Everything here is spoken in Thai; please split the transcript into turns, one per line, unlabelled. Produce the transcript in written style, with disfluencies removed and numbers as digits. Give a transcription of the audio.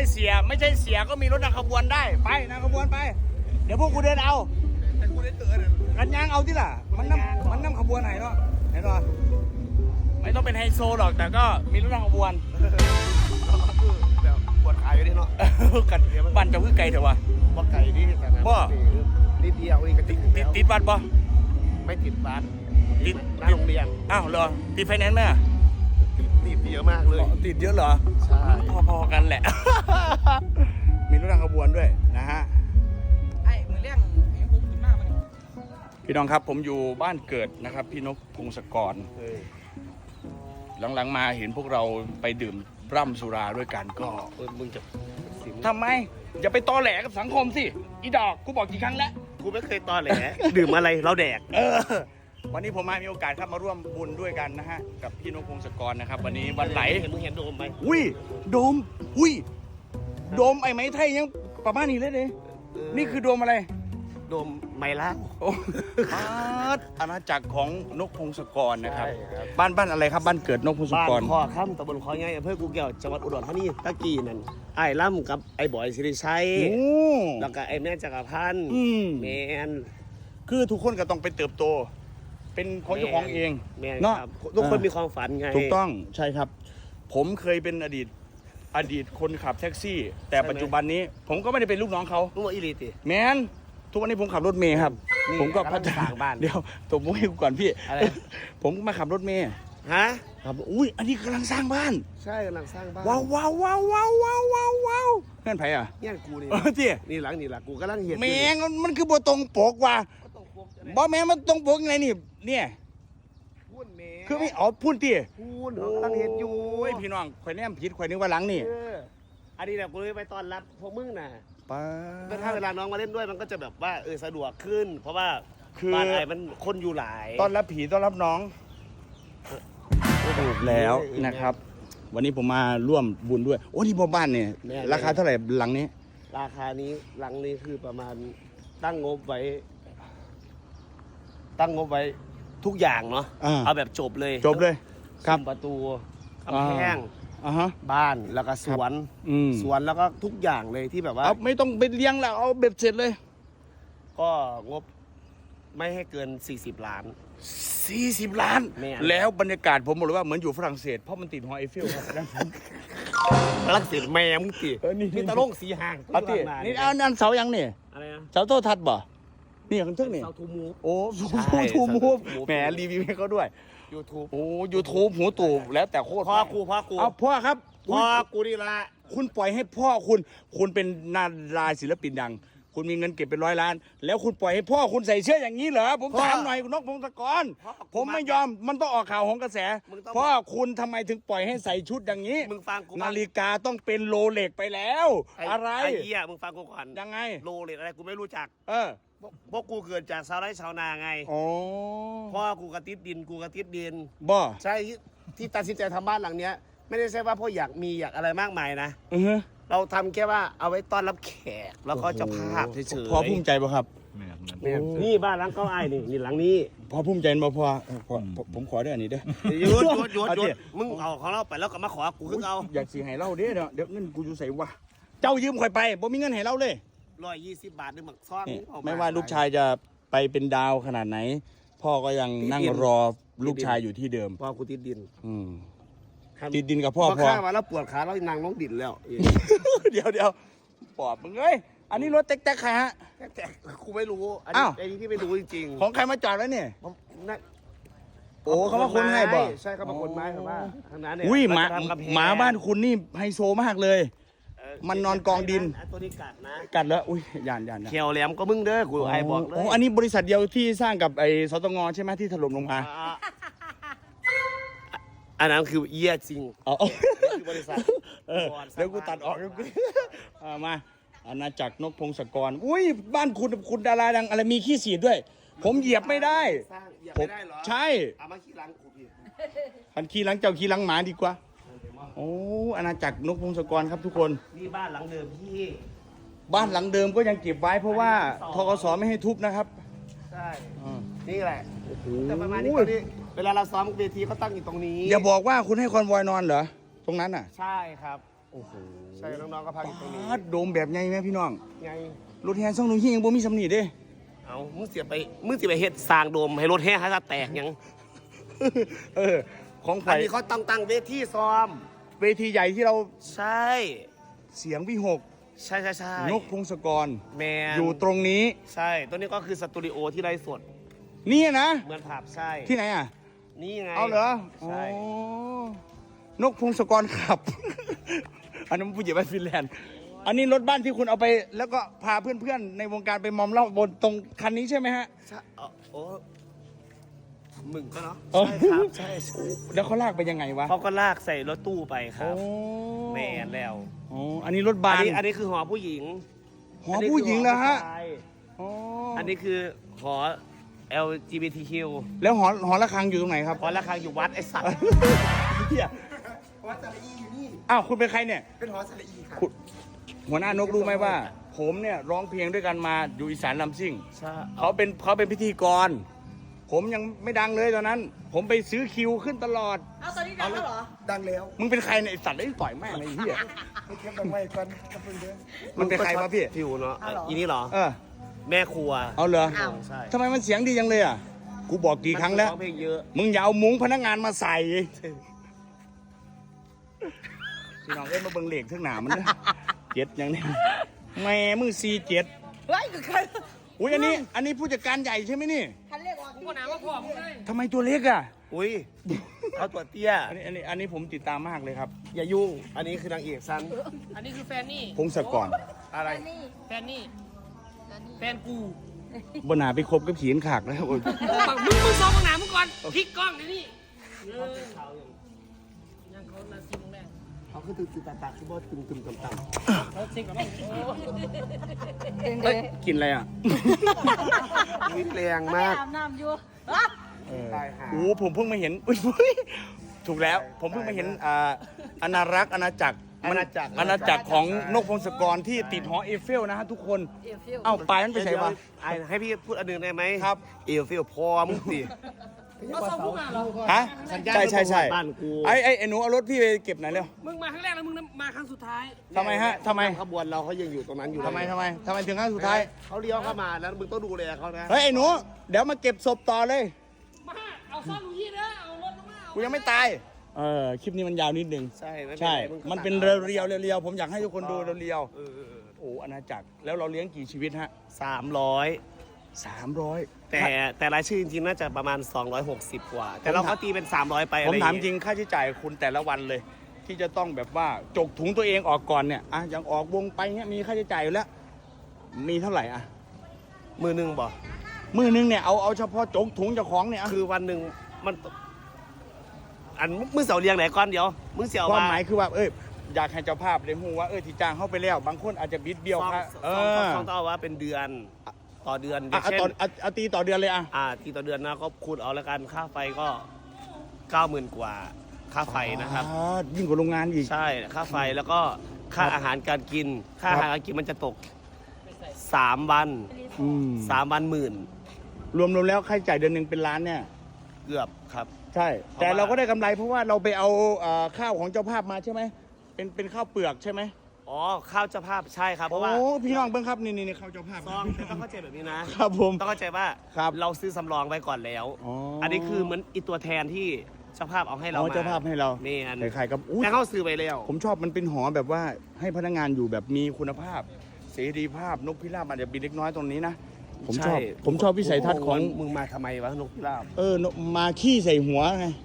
เสียก็มีรถนำขบวนได้ไปนำขบวนไปเดี๋ยวพวกกูเดินเอา
แต่กูได้เตือน
กันยางเอาที่ล่ะมันนำขบวนไหนเนาะไหนเนาะไม่ต้องเป็นไฮโซหรอกแต่ก็มีรถนำขบวน
แบบปวดขาอยู่นี่เนาะ
กันบ้านจะพึ่งไกลเถอะวะ
บ่ไก่นี่แต่นะ
บ่
นิดเดียวนี่ก็
ติดบ้านบ่
ไม่ติดบ้าน
ติด
หน้าโรงเรียน
อ้าวเหรอติดไฟแนนซ์ไหม
ติดเยอะมากเลย
ติดเยอะเหรอ
ใช่
พอกันแหละมีรถนำขบวนด้วยนะฮะ
ไอ้มือเลี้ยงเห็นผมขึ้นมากมัน
พี่น้องครับผมอยู่บ้านเกิดนะครับพี่นกพงศกรหลังๆมาเห็นพวกเราไปดื่มร่ำสุราด้วยกันก็
มึงจะ
ทำไมอย่าไปตอแหลกับสังคมสิอีดอกกูบอกกี่ครั้งแล้ว
กูไม่เคยตอแหลดื่มอะไรเราแดก
วันนี้ผมมีโอกาสครับมาร่วมบุญด้วยกันนะฮะกับพี่นกพงศกรนะครับวันนี้วันไหล
มึงเห็นโดมไหม
อุ้ยโดมไอ้ไม้ไทยยังประมาณนี้เลยเนี่ยนี่คือโดมอะไร
โดมไมล่า
อาณาจักรของนกพงศกรนะครับบ้านอะไรครับบ้านเกิดนกพงศกร
บ้านคอค่ำตำบลคอใหญ่อำเภอกูแก้วจังหวัดอุดรธานีตะกี้นั่นไอ้ล่ำกับไอ้บอยสิริชัยแล้วก็ไอ้แม่จักรพันธ์แมน
คือทุกคนก็ต้องไปเติบโตเป็นของเจ้าของเอง
เนาะทุกคนมีความฝันไง
ถูกต้องใช่ครับผมเคยเป็นอดีตคนขับแท็กซี่แต่ปัจจุบันนี้ผมก็ไม่ได้เป็นลูกน้องเขา
ลูกอีลีติ
แมนทุกวันนี้ผมขับรถเมย์ครับผมก็พัฒนา
บ้าน
เดี๋ยวตบมือให้กูก่อนพี่ผมมาขับรถเมย์
ฮะ
ครับอุ้ยอันนี้กำลังสร้างบ้าน
ใช่กำลังสร้างบ้าน
ว้าวเพื่อนไผ่อะ
เนี่ยกูนี่
ที่
นี่หลังกูกำลังเห็น
แมงมันคือบัวตรงปกว่ะบ่แมงมันตรงปกยังไงนี่เนี่ยคือไม่อ๋อพูดตี
พูดกำลังเห็นอยู่
พี่น้องข่อยแนมผิดข่อยนึกว่าหลังนี่
อันนี้แบบกูเลยไปตอนรับพวกมึงน่ะ
ป้า
ถ้าเวลาน้องมาเล่นด้วยมันก็จะแบบว่าสะดวกขึ้นเพราะว่าบ้านไอ้มันคนอยู่หลาย
ตอนรับผีต้อนรับน้องถูกแล้วนะครับ วันนี้ผมมาร่วมบุญด้วยโอ้ที่บ้านเนี่ยราคาเท่าไหร่หลังนี้
ราคานี้หลังนี้คือประมาณตั้งงบไว้ทุกอย่างเนาะเอาแบบจบเลย
ครับ
ประตูกำแพงบ้านแล้วก็สวนแล้วก็ทุกอย่างเลยที่แบบว่า
ไม่ต้องไปเลี้ยงแล้วเอาเบ็ดเสร็จเลย
ก็งบไม่ให้เกิน40 ล้าน
แล้วบรรยากาศผมบอกเลยว่าเหมือนอยู่ฝรั่งเศสเพราะมันติดหอไอเฟลครับ
ฝรั่งเศสแม่มึงตินี่ตะล่งสีห่าง
นี่อันเสายังเนี่ยเสาโทษทัดบ่นี่ของทึ่งนี่
เสาทูมูฟ
โอ้ทูมูฟแหมรีวิวให้เขาด้วย
YouTube
โอ้ YouTube หูตู่แล้วแต่โคตร
พ่อกู
เอาพ่อครับ
พ่อกูนี่ละ
คุณปล่อยให้พ่อคุณเป็นนาราศิลปินดังคุณมีเงินเก็บเป็น100 ล้านแล้วคุณปล่อยให้พ่อคุณใส่เสื้ออย่างนี้เหรอผมถามหน่อยคุณนกพงศกรผมไม่ยอมมันต้องออกข่าวของกระแสพ่อคุณทำไมถึงปล่อยให้ใส่ชุดอย่างนี้
มึงฟังกู
นาฬิกาต้องเป็นโรเล็กไปแล้วอะไร
ไอ้เหี้ยมึงฟังกูก่อน
ยังไง
โรเล็กอะไรกูไม่รู้จักพวกกูเกิดจากชาวไร่ชาวนาไงพ่อกูกระติดดิน
บ่
ใช่ที่ตัดสินใจทำบ้านหลังเนี้ยไม่ได้ใช่ว่าพ่ออยากอะไรมากมายนะเราทำแค่ว่าเอาไว้ต้อนรับแขกแล้วก็จะภาพเฉย
ๆพอภูมิใจป่ะครับ
นี่บ้านหลังเก้าไอ้นี่หลังนี้
พอภูมิใจบ่พอผมขอได้อันนี้เด้อ
หยุดมึงเอาของเราไปแล้วก็มาขอกูขึ้นเอา
อยากสีให้เราเด้อเดี๋ยวเงินกูอยู่ใส่วะเจ้ายืมข่อยไปบ่มีเงินให้เราเลย
120 บาทนึงหมักซ่อน
ไม่ว่าลูกชายจะไปเป็นดาวขนาดไหนพ่อก็ยังนั่งรอลูกชายอยู่ที่เดิม
พ่อกูติดดิน
ติดดินกับพ่อ
ข้ามาแล้วปวดขาแล้วนางน้องดินแล้ว
เดี๋ยวปอบมึงเอ้ยอันนี้รถแต๊กใครฮะ
แต๊กกูไม่รู้อันนี้ที่ไม่รู้จริง
ๆของใครมาจอดไว้เนี่ยโอ้เขามาคนให้บ่
ใช่เขามาคนไม้ครับว่าทางนั้นเนี่ย
อุ้ยหมาบ้านคุณนี่ไฮโซมากเลยมันนอนกองดิน
ตัวนี้กัดนะ
กัดแล้วอุ้ยยาน
เขียวแหลมก็มึงเด้อกูไอ้บอกเลย
อันนี้บริษัทเดียวที่สร้างกับไอ้สตงใช่ไหมที่ถล่มลงมา
อันนั้นคือเยี่ยจริง
บริษัทเดี๋ยวกูตัดออกมาอาณาจักรนกพงศกรอุ้ยบ้านคุณดาราดังอะไรมีขี้สีด้วยผมเหยียบไม่ได้
ผม
ใช่
เอามาขี้หลังกูพี่
พันขี้หลังเจ้าขี้หลังหมาดีกว่าโอ้อาณาจักรนกพงศกรครับทุกคน
นี่บ้านหลังเดิมพี่
บ้านหลังเดิมก็ยังเก็บไว้เพราะว่าธกสไม่ให้ทุบนะครับ
ใช่นี่แหละแต่ประมาณนี้เวลาเราซ้อมเวทีก็ตั้งอยู่ตรงนี้
อย่าบอกว่าคุณให้คอนวอยนอนเหรอตรงนั้นน่ะ
ใช่ครับ
โอ้โห
ใช่น้องๆก็พักอยู่ตรงนี้
ปาดโดมแบบไงแม่พี่น้อง
ไง
รถแห่ซ่องนุ่งหิ้งยังบ่มีสำนีเด้
เอามึงเสียไปเฮ็ดสร้างโดมให้รถแห่ให้ซะแตกยัง
เออของไผ่
อันนี้เขาตั้งเวทีซ้อม
เวทีใหญ่ที่เรา
ใช่
เสียงวิหก
ใช่ใช่
นกพงศกร
แมน
อยู่ตรงนี้
ใช่ตัวนี้ก็คือสตูดิโอที่ไร้สด
นี่นะ
เหมือนผับใช่
ที่ไหนอ่ะ
นี่ไง
เอาเหรอ
ใช่
อ๋อนกพงศกรขับ อันนั้นผู้ใหญ่บ้านฟินแลนด์ อันนี้รถบ้านที่คุณเอาไป แล้วก็พาเพื่อนๆในวงการไปมอมเหล้าบนตรงคันนี้ใช่ไหมฮะ
ใช่โอ้มึงก็เนาะ
อ๋อ
ใช่ครับใช่
แล้วเขาลากไปยังไงวะ
เขาก็ลากใส่รถตู้ไปครับ
โอ้
แมนแล้ว
อ๋ออันนี้รถบาน
อันนี้คือหอผู้หญิง
หอผู้หญิงเหรอฮะ
นนี้คือหอผู้ชาย
อ๋อ
อันนี้คือหอ LGBTQ
แล้วหอระฆังอยู่ตรงไหนครับ
หอระฆังอยู่วัดไอสัตว์
เหี้ย
หอสระอีอยู่นี่
อ้าวคุณเป็นใครเนี่ย
เป็นหอสระอีค่ะ
คุณหัวหน้านกรู้ไหมว่า ผมเนี่ยร้องเพลงด้วยกันมาอยู่อีสานลำซิ่ง
ใช่
เขาเป็นพิธีกร ผมยังไม่ดังเลยตอนนั้น ผมไปซื้อคิวขึ้นตลอด
เอาตอนนี้ดังแล้วเหรอ
ดังแล้ว
มึงเป็นใครเนี่ยไอสัตว์ได้ต่อยแม่งไอ้เหี้ย
ให้เทียบกันไว้ก่อนก็เพิ่งเด้อ
มันเป็นใครวะพี่
ผิวเนาะ
เอาเหรอ
อีนี่เหรอ
เออ
แม่ครัว
เอาเหรอ
อ้าว
ใช่
ทำไมมันเสียงดีจังเลยอ่ะ กูบอกกี่ครั้งแล้ว
ร้องเพลงเยอะ
มึงอย่าเอามุ้งพนักงานมาใส่พี่น้องเอ้ยมาเบิ่งเหล็กทั้งหนามันเด้อเจ็ดอย่างนี้แม่มึง47
เฮ้ยคือใคร
อุ้ยอันนี้ผู้จัดการใหญ่ใช่ไหมนี่
คันเรียกว่า
กูหนาว่าพ่อมึงเลย
ทำไมตัวเล็กอ่ะ
อุ้ยเขาตัวเตี้ย
อันนี้ผมติดตามมากเลยครับ
อย่ายุ่ง อันนี้คือนางเอกซัน
อันนี้คือแฟนนี่
พงศกร
อะไร
นี่
แฟนนี่ แฟนกู
บนหนาไปคบกับขีนขากแล้วโอ้ย
มึงซ้อมมึงหนามึงก่อนพลิกกล้องเดี๋ยวนี้ยังเขานาซีมึงแรก
เขาคือตึงตาคือบ่ตึงต่ำ
เขาซิงกับน้อง
เอ้ยกินอะไรอ่ะ
ๆวิแรงมาก
อาบน้ำอยู่
ตายหา
โอ้ผมเพิ่งมาเห็นอุ๊ยถูกแล้ว ผมเพิ่งมาเห็นอาณารักษ์อาณาจักรอาณาจักรของนกพงศกรที่ติดหอเอฟเฟลนะฮะทุกคน
เอฟฟิล
เอ้าปลายมันไปใส่ปะ
ไอ้ให้พี่พูดอันหนึ่งได้ไหม
ครับ
เอลฟิลพอมึงสิ
เขาซ้อมมึงมาเหรอ
ฮะใช่
บ้านกู
ไอ้หนูเอารถพี่ไปเก็บหน่อยเร็ว
มึงมาครั้งแรกแล้วมึงมาครั้งสุดท้าย
ทำไมฮะทำไม
ขบวนเราเขายังอยู่ตรงนั้นอยู่
ทำไมถึงครั้งสุดท้าย
เขาเลี้ยวเข้ามาแล้วมึงต้องดูแลเขานะ
เฮ้ยไอ้หนูเดี๋ยวมาเก็บศพต่อเลย
มาเอาซ่อมลูกยี่เด้อเอารถมาเอา
กูยังไม่ตายคลิปนี้มันยาวนิดนึง
ใช่ไม่เป็น
ใช่
ไรงก็
มันเป็น
ตัด
เรียวๆผมอยากให้ทุกคนดูเรียว
เออ
ๆโอ้อาณาจักรแล้วเราเลี้ยงกี่ชีวิตฮะ
300
300
แต่รายชื่อจริงๆน่าจะประมาณ 260 กว่า แต่เราก็ตีเป็น 300 ไป
ผม
อะไร
ถาม
อย่
จริงค่าใช้จ่ายคุณแต่ละวันเลย ที่จะต้องแบบว่าจกถุงตัวเองออกก่อนเนี่ยอ่ะอย่างออกวงไปเนี่ยมีค่าใช้จ่ายอยู่แล้ว มีเท่าไหร่อ่ะ
มือหนึ่งบอก
มือนึงเนี่ยเอาเฉพาะจกถุงเจ้าของเนี่ยอ่ะ
คือวันหนึ่งมันอันมึงเสียวเรียงไหนก่อนเดี๋ยวมึงเสียว
ความหมายคือว่าอยากให้เจ้าภาพได้ฮู้ว่าที่จ้างเข้าไปแล้ว บางคนอาจจะบิดเบี้ยว
ซอง
ค่า
ต้องเอาว่าเป็นเดือนต่อเดือนอย่าง
อ่ะ
เช่น
เอาตีต่อเดือนเลยอ่ะ
ทีต่อเดือนนะก็คูณเอาแล้วกันค่าไฟก็ 90,000 กว่าค่าไฟนะครับ
ยิ่งกว่าโรงงานอีก
ใช่ค่าไฟแล้วก็ค่าอาหารการกิน ค่าอาหารการกินมันจะตก3 วัน
อืม
3 วันหมื่น
รวมแล้วค่าใช้จ่ายเดือนหนึ่งเป็นล้านเนี่ย
เกือบครับ
ใช่ แต่เราก็ได้กำไรเพราะว่าเราไปเอาข้าวของเจ้าภาพมาใช่ไหมเป็นข้าวเปลือกใช่ไหม
อ๋อข้าวเจ้าภาพใช่ครับเพ
โอ้
ราะว่า
พี่น้องเบิ้งครับนี่ข้าวเจ้าภาพ
ซองต้องเข้าใจแบบนี้นะครับ
ผม
ต้องเข้าใจว่า
ครับ
เราซื้อสำรองไว้ก่อนแล้ว
อ๋ออั
อันนี้คือเหมือนอีตัวแทนที่เจ้าภาพเอาให้เรา
อ๋อ
มา
เจ้าภาพให้เรา
นี่อัน
ขายๆกับอู้
แต่เขาซื้อไปแล้ว
ผมชอบมันเป็นหอแบบว่าให้พนักงานอยู่แบบมีคุณภาพ เสรีภาพนกพิราบอาจจะบินเล็กน้อยตรงนี้นะผมชอบ
ใช่
วิสัยทัศน์ของ
มึงมาทำไมวะนกพิราบ
นกมาขี้ใส่หัวไง